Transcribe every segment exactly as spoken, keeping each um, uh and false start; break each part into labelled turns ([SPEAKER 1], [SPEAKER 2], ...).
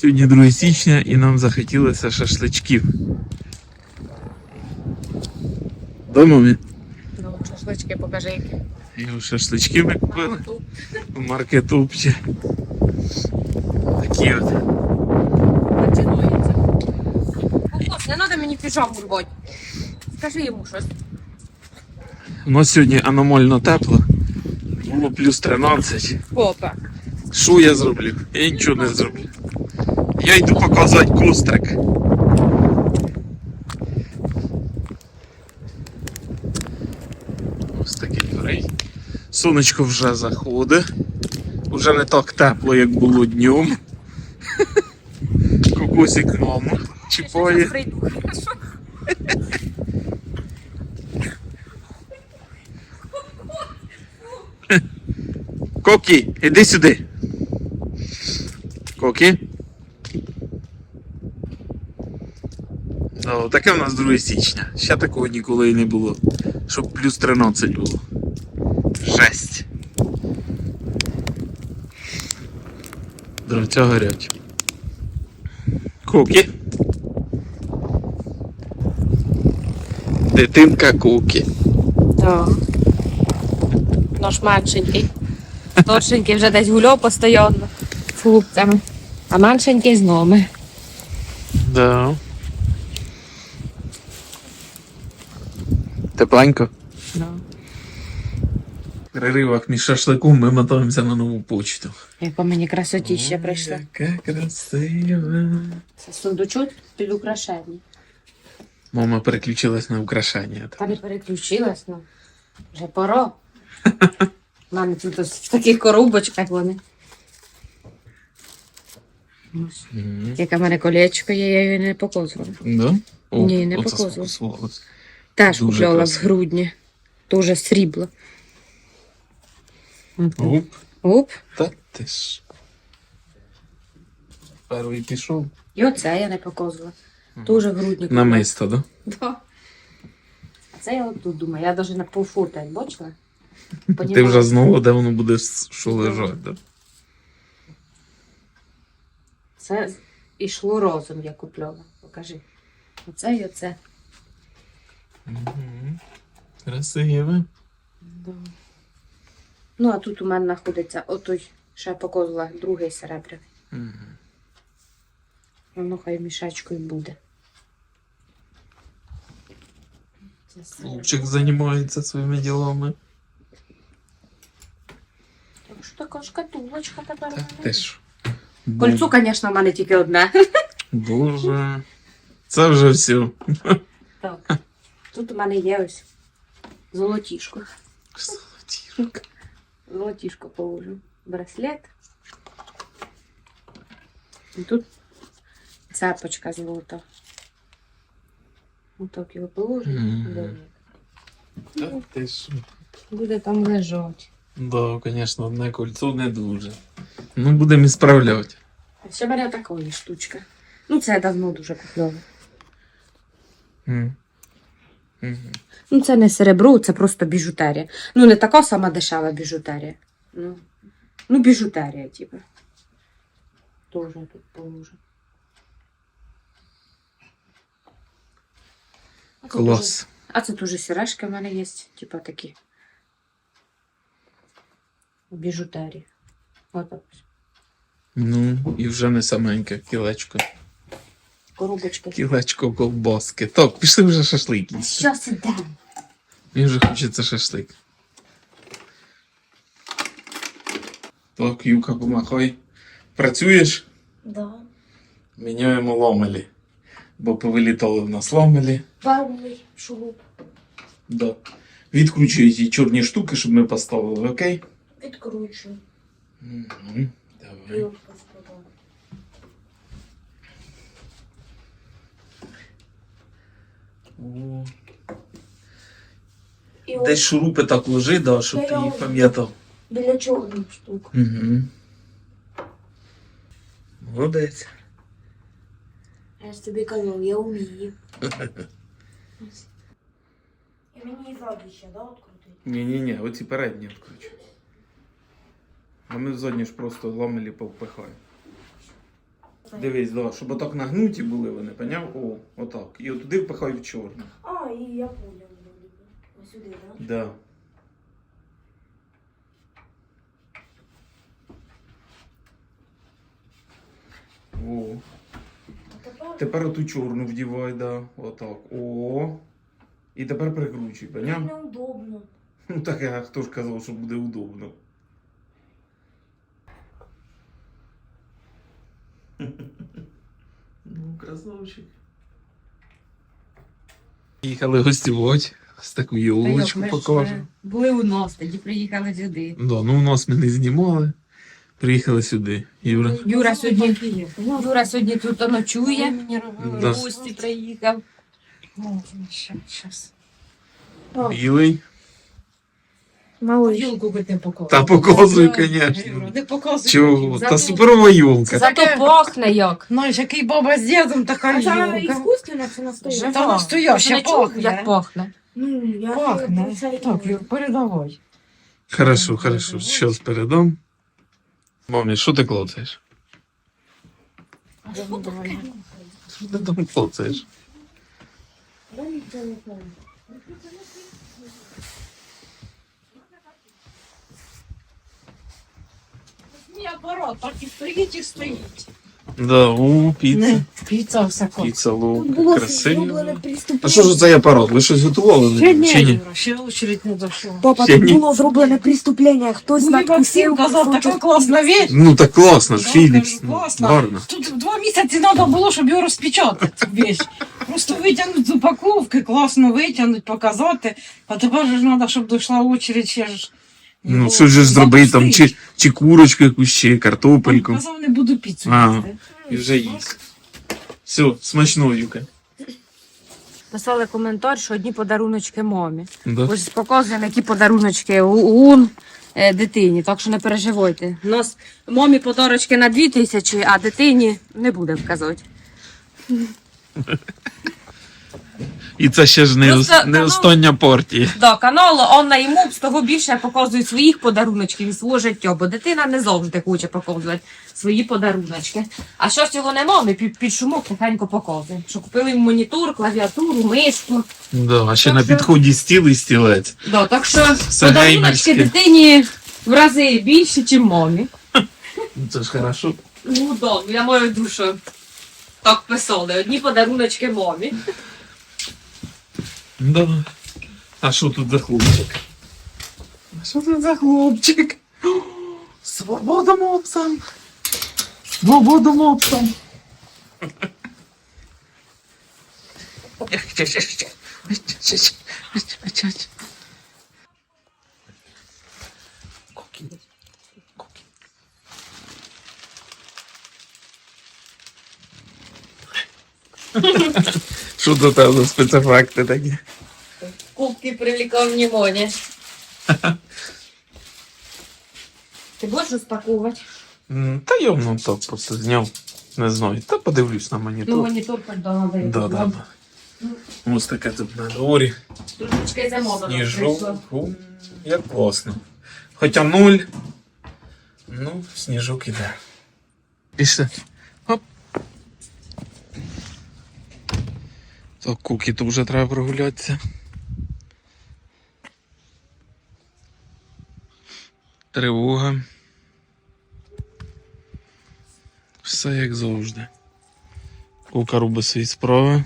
[SPEAKER 1] Сьогодні друге січня і нам захотілося шашличків. Дома ми?
[SPEAKER 2] Ну, шашлички покажи які.
[SPEAKER 1] І шашлички ми купили в маркетупчі. Такі от.
[SPEAKER 2] Починується. Кукус, не треба мені піжаму рвати. Скажи йому щось.
[SPEAKER 1] У нас сьогодні аномально тепло. Було плюс тринадцять.
[SPEAKER 2] Попа.
[SPEAKER 1] Що я зроблю? Я нічого не зроблю. Я йду показати кострик. Ось такий дурей. Сонечко вже заходить. Уже не так тепло, як було днем. Кокосик маму чіпає.
[SPEAKER 2] Я прийду, хорошо?
[SPEAKER 1] Кокі, іди сюди. Кокі. Ну, таке в нас друге січня. Ще такого ніколи і не було. Щоб плюс тринадцять було. Жесть. Дровця горять. Кокі. Дитинка Кокі.
[SPEAKER 2] Так. Наш меншенький. Торшенький вже десь гуляв постійно з хлопцями. А меншенький з нами.
[SPEAKER 1] Да. Тепленько.
[SPEAKER 2] Да.
[SPEAKER 1] В переривах між шашликом ми мотаємося на нову почту.
[SPEAKER 2] Яка мені красотіща прийшла.
[SPEAKER 1] Яка красива.
[SPEAKER 2] Це сундучок під украшення.
[SPEAKER 1] Мама переключилась на украшання.
[SPEAKER 2] Та не переключилась, ну. Вже пора. У мене тут ось в таких коробочках вони. Ось.
[SPEAKER 1] Мгм.
[SPEAKER 2] Яке в мене колечко є, я її не показувала.
[SPEAKER 1] Да? О,
[SPEAKER 2] Ні, не
[SPEAKER 1] оце
[SPEAKER 2] показувала.
[SPEAKER 1] сфокусувалось.
[SPEAKER 2] Теж
[SPEAKER 1] Дуже
[SPEAKER 2] купляла в
[SPEAKER 1] красиво.
[SPEAKER 2] грудні. Тоже срібло.
[SPEAKER 1] Оп.
[SPEAKER 2] Оп.
[SPEAKER 1] Та ти ж. Перший пішов.
[SPEAKER 2] І оце я не показувала. Тоже в грудні купляла.
[SPEAKER 1] Намисто, да?
[SPEAKER 2] Да. А це я от тут думаю, я навіть на полфурта, бачила?
[SPEAKER 1] Ти
[SPEAKER 2] Понімала.
[SPEAKER 1] вже знову, де воно буде що лежати, да?
[SPEAKER 2] Це ішло разом, я купляла. Покажи. Оце і оце.
[SPEAKER 1] Мгм. Красиве.
[SPEAKER 2] Да. Ну, а тут у мене знаходиться отой, що я показувала, другий серебряний.
[SPEAKER 1] Мгм.
[SPEAKER 2] Воно хай мішечкою буде. Це серебро.
[SPEAKER 1] Хлопчик займається своїми ділами.
[SPEAKER 2] Так що така шкатулочка тепер.
[SPEAKER 1] Та
[SPEAKER 2] у мене
[SPEAKER 1] ти
[SPEAKER 2] є.
[SPEAKER 1] ж.
[SPEAKER 2] Кольцо, звісно, в мене тільки одне.
[SPEAKER 1] Боже. Це вже все.
[SPEAKER 2] Так. Тут у мене є ось золотішко.
[SPEAKER 1] Золотірок.
[SPEAKER 2] Золотішко положу. Браслет. І тут цепочка золота. Отак його положу.
[SPEAKER 1] Мгм. Та ти ж.
[SPEAKER 2] Буде там лежати.
[SPEAKER 1] Да, звісно, одне кольцо не дуже. Ну, будемо ісправляти.
[SPEAKER 2] А ще бере такої штучка. Ну, це я давно дуже купляла.
[SPEAKER 1] Мгм. Мгм.
[SPEAKER 2] Ну, це не серебро, це просто біжутерія. Ну, не така сама дешева біжутерія. Ну, ну біжутерія, типу. Тоже тут положу. А це
[SPEAKER 1] Клас.
[SPEAKER 2] дуже- А це теж сережки в мене є, типу такі. Біжутерії. Отак.
[SPEAKER 1] Ну, і вже не саменьке кілечко.
[SPEAKER 2] Коробочки.
[SPEAKER 1] Кілечко ковбаски. Так, пішли вже шашлик їсти.
[SPEAKER 2] Щас ідемо.
[SPEAKER 1] Мені вже хочеться шашлик. Так, Юка, помахай. Працюєш?
[SPEAKER 2] Да.
[SPEAKER 1] Міняємо ломелі. Бо повилітали в нас ломелі.
[SPEAKER 2] Парний шуруп.
[SPEAKER 1] Да. Відкручую ці чорні штуки, щоб ми поставили, окей?
[SPEAKER 2] Відкручую.
[SPEAKER 1] Угу. Давай. О.
[SPEAKER 2] І
[SPEAKER 1] Десь шурупи так ложи, да, щоб ти їх пам'ятав.
[SPEAKER 2] біля чорних штук.
[SPEAKER 1] Угу. Молодець.
[SPEAKER 2] Я ж тобі казав, я вмію. І мені і ззаду ще, да, відкрутити?
[SPEAKER 1] Ні-ні-ні, оці передні відкручу. А ми задні ж просто ламелі повпихаємо. Дивись, да, щоб отак нагнуті були вони, поняв? О, отак. І отуди впихай в чорне.
[SPEAKER 3] А, і я понял. Ось сюди, так?
[SPEAKER 1] Да. О.
[SPEAKER 3] А тепер
[SPEAKER 1] Тепер оту чорну вдівай, да. Отак. О. І тепер прикручуй, поняв?
[SPEAKER 3] неудобно.
[SPEAKER 1] Ну так, а хто ж казав, що буде удобно. Ну, красавчик. Їхали гостювати. З таку йолочку покажемо.
[SPEAKER 2] Були у нас, тоді приїхали сюди.
[SPEAKER 1] Да, ну у нас ми не знімали. Приїхали сюди. Юра.
[SPEAKER 2] Юра сьогодні, Юра сьогодні тут ночує.
[SPEAKER 1] Да.
[SPEAKER 2] В гості приїхав.
[SPEAKER 3] Щас.
[SPEAKER 1] Білий.
[SPEAKER 3] Малыш.
[SPEAKER 4] Юлку би ти показував.
[SPEAKER 1] Та показуй,
[SPEAKER 4] Юра,
[SPEAKER 1] звісно.
[SPEAKER 4] Не показуй.
[SPEAKER 1] Чого?
[SPEAKER 2] Зато-
[SPEAKER 1] Та суперова юлка.
[SPEAKER 2] Зато пахне як.
[SPEAKER 4] Знаєш, який баба з дідом, така
[SPEAKER 3] А це
[SPEAKER 4] юлка.
[SPEAKER 3] іскусственно чи настояще?
[SPEAKER 4] Та настояща
[SPEAKER 2] Не чув, як
[SPEAKER 4] пахне.
[SPEAKER 2] пахне.
[SPEAKER 3] Ну, я
[SPEAKER 4] Пахне.
[SPEAKER 3] це-
[SPEAKER 4] Так, Юр, передавай.
[SPEAKER 1] Хорошо, хорошо. Щас передам. Мамі, що ти клоцаєш? Що ти там клоцаєш?
[SPEAKER 3] Я нічого не знаю.
[SPEAKER 4] Мій апарат, так і стоїть і стоїть.
[SPEAKER 1] Да, у, піца.
[SPEAKER 4] Не, піца все класно.
[SPEAKER 1] Піца
[SPEAKER 3] Тут
[SPEAKER 1] лук.
[SPEAKER 3] було
[SPEAKER 1] Красиво.
[SPEAKER 3] зроблене
[SPEAKER 1] А
[SPEAKER 3] преступлення.
[SPEAKER 1] що ж це апарат? Ви щось готували?
[SPEAKER 4] Ще ні,
[SPEAKER 1] Чи ні?
[SPEAKER 4] Юра, ще очередь не дійшла.
[SPEAKER 3] Папа,
[SPEAKER 1] Ще
[SPEAKER 3] тут
[SPEAKER 1] ні.
[SPEAKER 3] було зроблене преступлення. Хтось
[SPEAKER 4] Ну, Максим
[SPEAKER 3] надкусив
[SPEAKER 4] казав, така
[SPEAKER 3] кусочок.
[SPEAKER 4] класна вещь.
[SPEAKER 1] Ну так класно,
[SPEAKER 4] Да,
[SPEAKER 1] Філіпс.
[SPEAKER 4] кажу, класно.
[SPEAKER 1] Гарно.
[SPEAKER 4] Тут два місяці треба було, щоб його розпечатати, цю вещь. Просто витягнути з упаковки, класно витягнути, показати. А тепер же ж треба, щоб дійшла очередь ще ж.
[SPEAKER 1] Ну,
[SPEAKER 4] його
[SPEAKER 1] що ж зробити там,
[SPEAKER 4] запустити.
[SPEAKER 1] чи, чи курочку якусь, чи картопельку.
[SPEAKER 4] Казав, не буду піцу
[SPEAKER 1] А.
[SPEAKER 4] їсти.
[SPEAKER 1] І вже їсть. Все, смачно, Юка.
[SPEAKER 2] Писали коментар, що одні подаруночки мамі.
[SPEAKER 1] Да.
[SPEAKER 2] Ось показуємо, які подаруночки у, у е, дитині, так що не переживайте. У нас мамі подарочки на дві тисячі, а дитині не буде вказати.
[SPEAKER 1] І це ще ж не,
[SPEAKER 2] Просто
[SPEAKER 1] ос- не
[SPEAKER 2] канал-
[SPEAKER 1] остання партія.
[SPEAKER 2] Да, канал Онна і Мопс того більше показує своїх подаруночків і свого життя, бо дитина не завжди хоче показувати свої подаруночки. А що цього нема, ми під, під шумок тихенько показуємо. Що купили їм монітор, клавіатуру, мишку.
[SPEAKER 1] Да, а ще
[SPEAKER 2] Так
[SPEAKER 1] на
[SPEAKER 2] що-
[SPEAKER 1] підході стіл і стілець.
[SPEAKER 2] Да, так що
[SPEAKER 1] Все
[SPEAKER 2] подаруночки
[SPEAKER 1] геймерське.
[SPEAKER 2] дитині в рази більше, ніж мамі.
[SPEAKER 1] Ну, це ж хорошо.
[SPEAKER 2] Ну да, ну я маю душу. Так писали, одні подаруночки мамі.
[SPEAKER 1] Да. А що тут за хлопчик? А що тут за хлопчик? О, свобода мопсам! Свобода мопсам! Що до тебе за спецефекти такі?
[SPEAKER 2] Кубки привлекав внимание. Ти будеш розпаковувати?
[SPEAKER 1] М, Та я ну так просто зняв. Не знаю. Та подивлюсь на монітор.
[SPEAKER 2] Ну, монітор надо.
[SPEAKER 1] Да, да, да. Ось таке тут на дворі.
[SPEAKER 2] Трошечки замовлено.
[SPEAKER 1] Сніжок. Фу, як класно. Хоча нуль. Ну, сніжок іде. Пішли. Хоп. Так, куки, то вже треба прогулятися. Тривога. Все як завжди. Кука робить свої справи.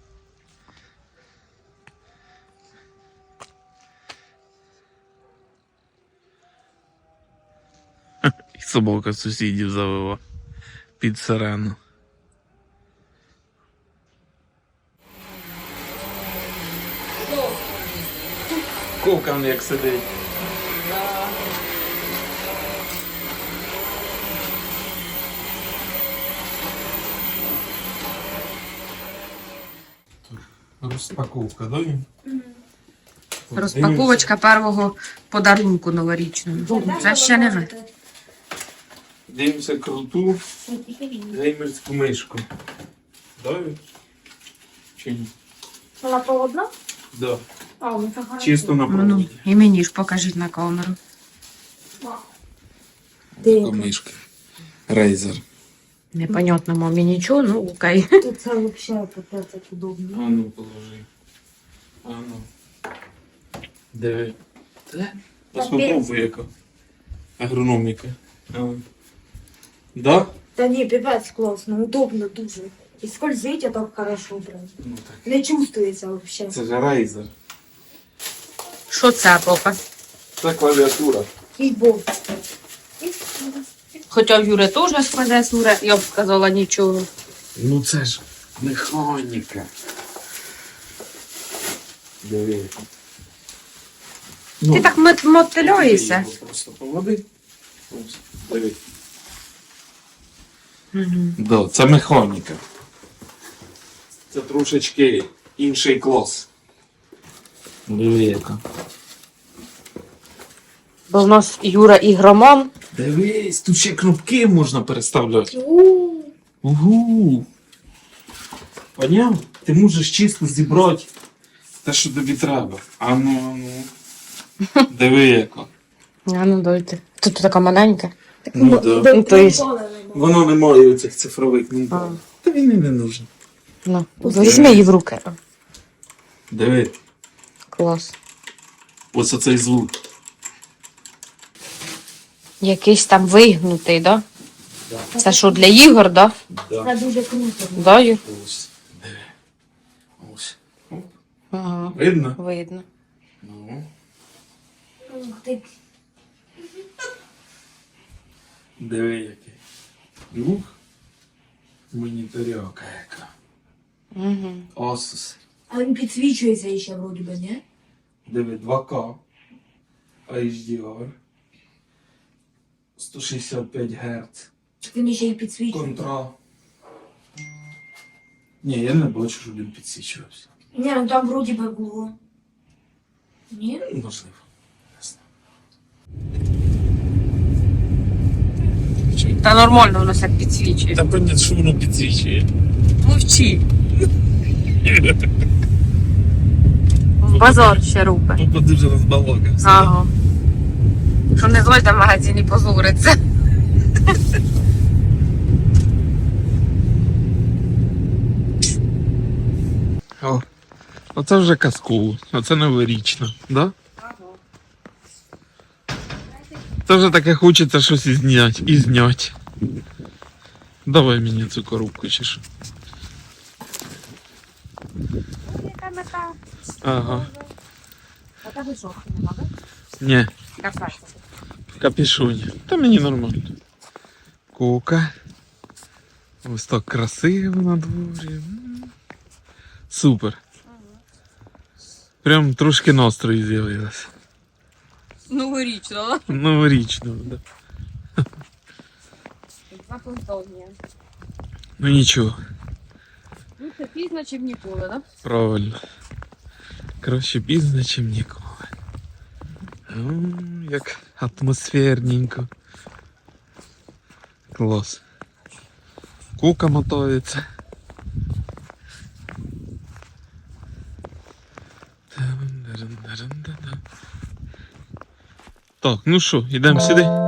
[SPEAKER 1] І собака сусідів завела під сирену. Кукан як сидить. Розпаковка, да?
[SPEAKER 2] Розпаковочка першого подарунку новорічного. Це ще не ви.
[SPEAKER 1] Дивимося круту геймерську мишку. Да? Чи ні?
[SPEAKER 3] Вона проводна?
[SPEAKER 1] Да.
[SPEAKER 3] А, ну це хорошо.
[SPEAKER 1] Чисто на
[SPEAKER 2] Ну,
[SPEAKER 1] проводі.
[SPEAKER 2] і мені ж покажіть на камеру.
[SPEAKER 1] Така мишка. Razer.
[SPEAKER 2] Непонятно мамі нічого, ну окей.
[SPEAKER 3] Тут це взагалі капець як удобно.
[SPEAKER 1] А ну положи. А ну. Диви. Це? Ось попробуй яка. Агрономіка. А. Да?
[SPEAKER 3] Та ні, піпець класно, удобно дуже. І скользить, а так хорошо прям.
[SPEAKER 1] Ну так.
[SPEAKER 3] Не чувствується взагалі.
[SPEAKER 1] Це ж рейзер.
[SPEAKER 2] Що це, папа?
[SPEAKER 1] Це клавіатура.
[SPEAKER 3] І бог.
[SPEAKER 2] Хоча в Юри теж складе суре, я б сказала нічого.
[SPEAKER 1] Ну це ж механіка. Диви.
[SPEAKER 2] Ти так мот- мотиляєшся.
[SPEAKER 1] Ти його просто поводи. Ось, диви.
[SPEAKER 2] Угу.
[SPEAKER 1] Да, це механіка. Це трошечки інший клас. Диви яка.
[SPEAKER 2] Бо в нас Юра ігроман.
[SPEAKER 1] Дивись, тут ще кнопки можна переставляти.
[SPEAKER 3] У,
[SPEAKER 1] Угу. Поняв? Ти можеш чисто зібрати те, що тобі треба. А ну, а ну. Диви яка.
[SPEAKER 2] А ну дойте. Тут така маленька.
[SPEAKER 1] Ну, да.
[SPEAKER 3] де
[SPEAKER 2] Ну, то есть-
[SPEAKER 3] приколи нема.
[SPEAKER 1] Воно не має оцих цифрових
[SPEAKER 2] А.
[SPEAKER 1] кнопок. Та він і не нужен.
[SPEAKER 2] Ну, візьми її в руки.
[SPEAKER 1] Диви,
[SPEAKER 2] Клас.
[SPEAKER 1] ось оцей звук.
[SPEAKER 2] Якийсь там вигнутий, да?
[SPEAKER 1] Да.
[SPEAKER 2] Це що, для ігор, да?
[SPEAKER 1] Да.
[SPEAKER 3] Це дуже круто.
[SPEAKER 2] Да, Юр?
[SPEAKER 1] Ось. Диви. Ось. Оп.
[SPEAKER 2] Ага,
[SPEAKER 1] Видно?
[SPEAKER 2] видно.
[SPEAKER 1] Ну.
[SPEAKER 3] Ух ти.
[SPEAKER 1] Диви який. Ух. Моніторяка яка.
[SPEAKER 2] Угу.
[SPEAKER 1] Asus.
[SPEAKER 3] А він підсвічується ще вроді би, ні?
[SPEAKER 1] Диви, два К. ейч ді ар. сто шістдесят п'ять Гц.
[SPEAKER 3] Він ще й підсвічується.
[SPEAKER 1] Контра. Ні, я не бачу, щоб він підсвічувався.
[SPEAKER 3] Ні, ну там вроді би було. Ні?
[SPEAKER 1] Можливо. Не знаю.
[SPEAKER 2] Та нормально воно все підсвічує.
[SPEAKER 1] Та понятно, що воно підсвічує.
[SPEAKER 2] Мовчи. В базар ще рупе.
[SPEAKER 1] Попа дуже розбалакався.
[SPEAKER 2] Ага. Що не зойде в магазині позориться.
[SPEAKER 1] О, оце вже казково, оце новорічно, да? Це вже таке хочеться щось і зняти, і зняти. Давай мені цю коробку чи що.
[SPEAKER 2] Яка мета?
[SPEAKER 1] Ага.
[SPEAKER 2] А та висохне, нема, да?
[SPEAKER 1] Ні,
[SPEAKER 2] Кафе.
[SPEAKER 1] в капюшоні. Та мені нормально. Кока. Ось так красиво на дворі. М. Супер. Прям трошки настрою з'явилося.
[SPEAKER 2] Новорічно,
[SPEAKER 1] Новорічно, да.
[SPEAKER 2] Заплутовні.
[SPEAKER 1] Ну нічого,
[SPEAKER 2] Ну це пізно, чим ніколи, да?
[SPEAKER 1] правильно. Краще пізно, чим ніколи. М, як атмосферненько. Клас. Кука мотається. Так, ну що, йдемо сюди?